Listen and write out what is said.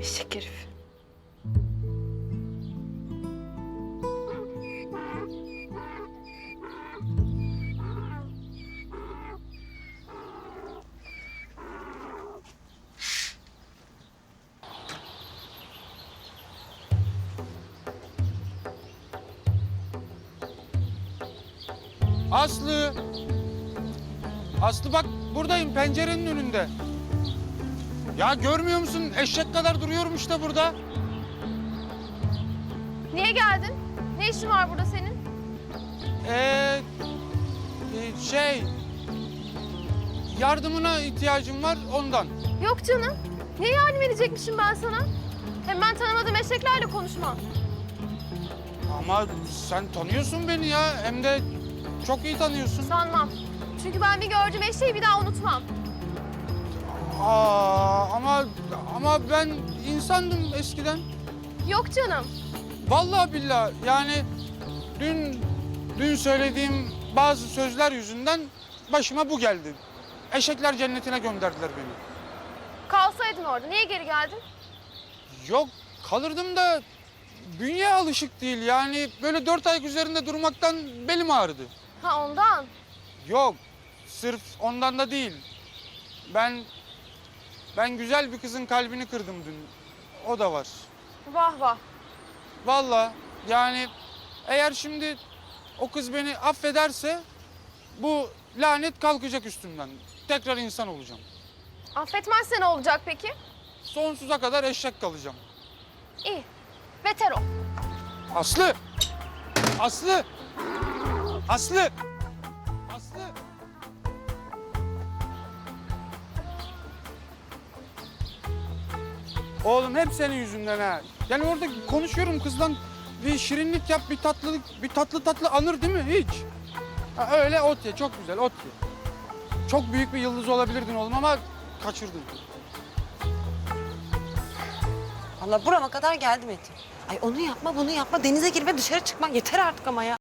Eşek herif. Aslı! Aslı bak buradayım pencerenin önünde. Ya görmüyor musun? Eşek kadar duruyorum işte burada. Niye geldin? Ne işin var burada senin? Şey... Yardımına ihtiyacım var ondan. Yok canım. Niye yardım edecekmişim ben sana? Hem ben tanımadığım eşeklerle konuşmam. Ama sen tanıyorsun beni ya. Hem de çok iyi tanıyorsun. Sanmam. Çünkü ben bir gördüğüm eşeği bir daha unutmam. Ama ben insandım eskiden. Yok canım. Vallahi billahi yani dün söylediğim bazı sözler yüzünden başıma bu geldi. Eşekler cennetine gönderdiler beni. Kalsaydın orada. Niye geri geldin? Yok kalırdım da bünye alışık değil yani böyle 4 ayak üzerinde durmaktan belim ağrıdı. Ha ondan. Yok sırf ondan da değil. Ben güzel bir kızın kalbini kırdım dün. O da var. Vah vah. Vallahi yani eğer şimdi o kız beni affederse bu lanet kalkacak üstümden. Tekrar insan olacağım. Affetmezse ne olacak peki? Sonsuza kadar eşek kalacağım. İyi. Beter ol. Aslı! Aslı! Aslı! Aslı! Oğlum hep senin yüzünden ha. Yani orada konuşuyorum kızla bir şirinlik yap, bir tatlı anır değil mi hiç? Ha, öyle ot ye, çok güzel ot ye. Çok büyük bir yıldız olabilirdin oğlum ama kaçırdın. Allah burama kadar geldi Metin. Ay onu yapma bunu yapma denize girme dışarı çıkma yeter artık ama ya.